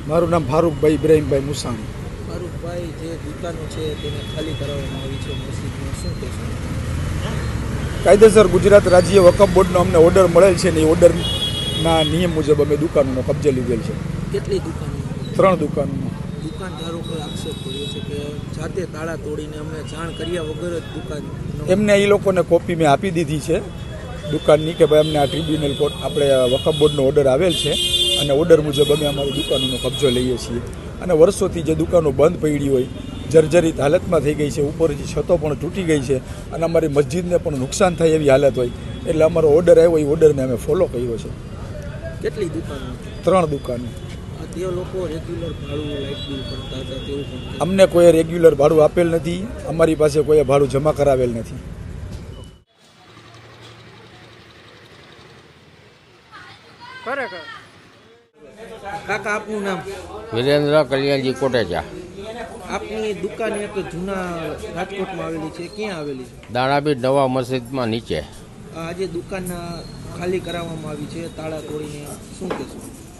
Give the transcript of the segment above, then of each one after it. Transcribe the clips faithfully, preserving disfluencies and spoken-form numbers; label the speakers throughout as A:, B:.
A: મારું નામ ફારૂકભાઈ ઇબ્રાહીમભાઈ મુસાણી.
B: ફારૂકભાઈ, જે દુકાનો છે તેને ખાલી કરાવવામાં આવી છે મસ્જિદમાં, શું કહેશો?
A: કાયદેસર ગુજરાત રાજ્ય વકફ બોર્ડનો અમને ઓર્ડર મળેલ છે ને એ ઓર્ડરના નિયમ મુજબ અમે દુકાનોનો કબજે લીધેલ છે.
B: કેટલી દુકાનો?
A: ત્રણ દુકાનોનો.
B: દુકાનદારો પર આક્ષેપ કર્યો છે કે જાતે તાળા તોડીને અમને જાણ કર્યા વગર જ દુકાન
A: એમને એ લોકોને કોપી મેં આપી દીધી છે દુકાનની કે ભાઈ અમને આ ટ્રિબ્યુનલ કોર્ટ આપણે વકફ બોર્ડનો ઓર્ડર આવેલ છે અને ઓર્ડર મુજબ અમે અમારી દુકાનોનો કબજો લઈએ છીએ. અને વર્ષોથી જે દુકાનો બંધ પડી હોય, જર્જરિત હાલતમાં થઈ ગઈ છે, ઉપરથી છતો પણ તૂટી ગઈ છે અને અમારી મસ્જિદને પણ નુકસાન થાય એવી હાલત હોય, એટલે અમારો ઓર્ડર આવ્યો એ ઓર્ડરને અમે ફોલો કર્યો છે.
B: કેટલી દુકાનો?
A: ત્રણ દુકાનો.
B: તે લોકો રેગ્યુલર ભાડું લાઇટ બિલ ભરતા હતા તેવું પણ
A: અમને કોઈ રેગ્યુલર ભાડું આપેલ નથી, અમારી પાસે કોઈ ભાડું જમા કરાવેલ નથી.
B: ખરેખર. કાકા, આપનું નામ?
C: વિરેન્દ્ર કલ્યાણજી કોટેચા.
B: આપની દુકાન એક જૂના રાજકોટમાં આવેલી છે, ક્યાં આવેલી છે?
C: દાણાબીર નવા મસ્જિદમાં નીચે.
B: આજે દુકાન ખાલી કરાવવામાં આવી છે તાળા તોડીને, શું કહેશો?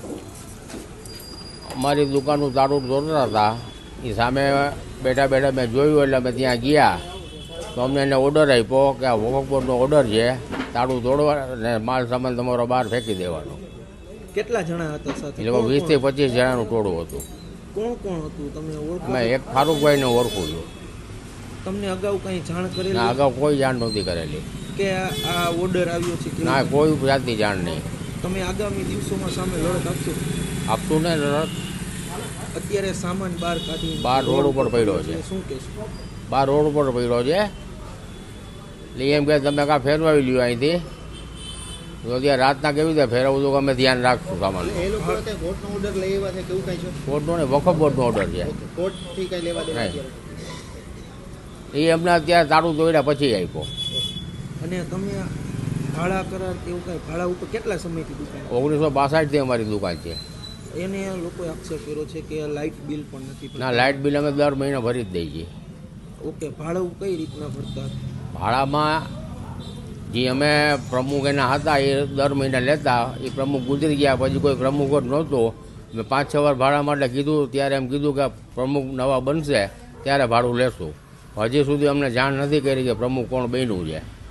C: અમારી દુકાનનું તાળું તોડતા હતા, એ સામે બેઠા બેઠા મેં જોયું એટલે અમે ત્યાં ગયા તો અમને એને ઓર્ડર આપ્યો કે આ વકફ બોર્ડનો ઓર્ડર છે, તાળું તોડવા અને માલ સામાન તમારો બહાર ફેંકી દેવાનો.
B: કેટલા જણા હતા સાથે?
C: એટલે વીસથી પચીસ જણાનું ટોળું હતું.
B: કોણ કોણ હતું તમે ઓળખો?
C: મેં એક ફારૂકભાઈને ઓળખું છું.
B: તમને અગાઉ કંઈ જાણ
C: ના,
B: કરેલી
C: અગાઉ કોઈ જાણ નહોતી કરેલી.
B: કે આ ઓર્ડર આવ્યો છે કે
C: ના, કોઈ જાતની જાણ નહીં.
B: તમે આગામી દિવસોમાં સામે લડત આપશો?
C: આપતું ને રડત.
B: અત્યારે સામાન બહાર કાઢી
C: બહાર રોડ ઉપર પડ્યો છે.
B: શું કહેશો?
C: બહાર રોડ ઉપર પડ્યો છે એટલે એમ કે તમે કાં ફેરવાવી લ્યો અહીંથી, તો ત્યાં રાતના કેવી રીતે ફેરવવું તો અમે ધ્યાન રાખશું સામાન.
B: એ લોકો કોર્ટનો ઓર્ડર લઈ આવ્યા છે કે એવું કાંઈ છે?
C: કોર્ટનો ને વકફ બોર્ડનો ઓર્ડર છે.
B: કોર્ટથી કાંઈ લેવા દેવા
C: નહીં, એ અમને અત્યારે તાળું તોડ્યા પછી આપ્યો.
B: અને તમે ભાડા કરાર કે એવું કાંઈ ભાડા ઉપર કેટલા સમયથી દુકાન?
C: ઓગણીસો બાસઠથી અમારી દુકાન છે.
B: એને લોકોએ આક્ષેપ કર્યો છે કે લાઇટ બિલ પણ નથી ભરતા.
C: ના, લાઇટ બિલ અમે દર મહિને ભરી જ દઈએ છીએ.
B: ઓકે, ભાડું કઈ રીતના ભરતા?
C: ભાડામાં જે અમે પ્રમુખ એના હતા એ દર મહિને લેતા, એ પ્રમુખ ગુજરી ગયા પછી કોઈ પ્રમુખ જ નહોતો. મેં પાંચ છ વાર ભાડા માટે કીધું, ત્યારે એમ કીધું કે પ્રમુખ નવા બનશે ત્યારે ભાડું લેશું. હજી સુધી અમને જાણ નથી કરી કે પ્રમુખ કોણ બન્યું છે.